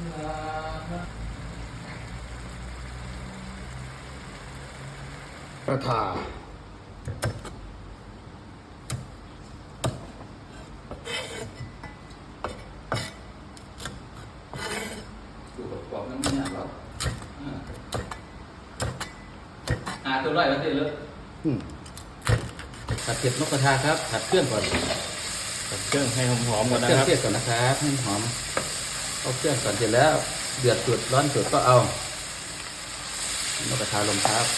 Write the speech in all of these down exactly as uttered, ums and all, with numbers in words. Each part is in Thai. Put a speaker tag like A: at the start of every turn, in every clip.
A: กระทาดูประกอบน้ำมันหรอกหาตัวไล่มาเสร็จเลยผัดเผ็ดนกกระทาครับผัดเครื่องก่อน
B: ผัดเครื่องให้หอมๆก่อนนะค
A: เครื่อ
B: รั
A: ง
B: บ
A: เทศก่อนนะครับให้หอมเอาเครื่องก่อนเสร็จแล้วเดือดจุดร้อนจุดก็เอานกกระทาลงครับ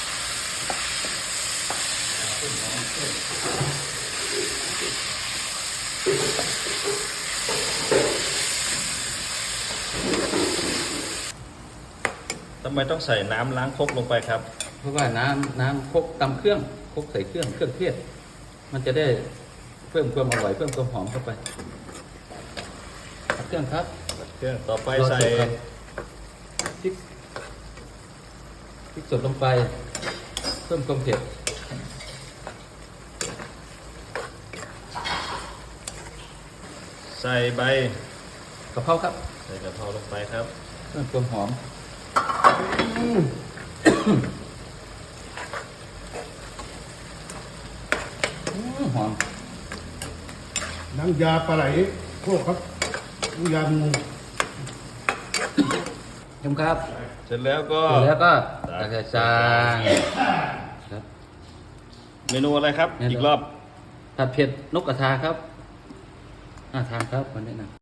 B: ทำไมต้องใส่น้ำล้างครกลงไปครับ
A: เพราะว่าน้ำน้ำครกตำเครื่องครกใส่เครื่องเครื่องเทศมันจะได้เพิ่มความอร่อยเพิ่มความหอมเข้าไปเครื่องครับ
B: เครื่องต่อไปใส่
A: พริกพริกสดลงไปเพิ่มความเผ็ด
B: ใส่ใบ
A: กะเพราครับ
B: ใส่กะเพราลงไปครับ
A: เพิ่มความหอมหอม
C: น้ำยาปลาไหลโคกครับน้ำยางู
A: ชมครับ
B: เสร็จแล้วก็
A: เสร็จแล้วก็ตักใส่จานครับ
B: เมนูอะไรครับอีกรอบ
A: ผัดเผ็ดนกกระทาครับน่าทานครับวันนี้นะ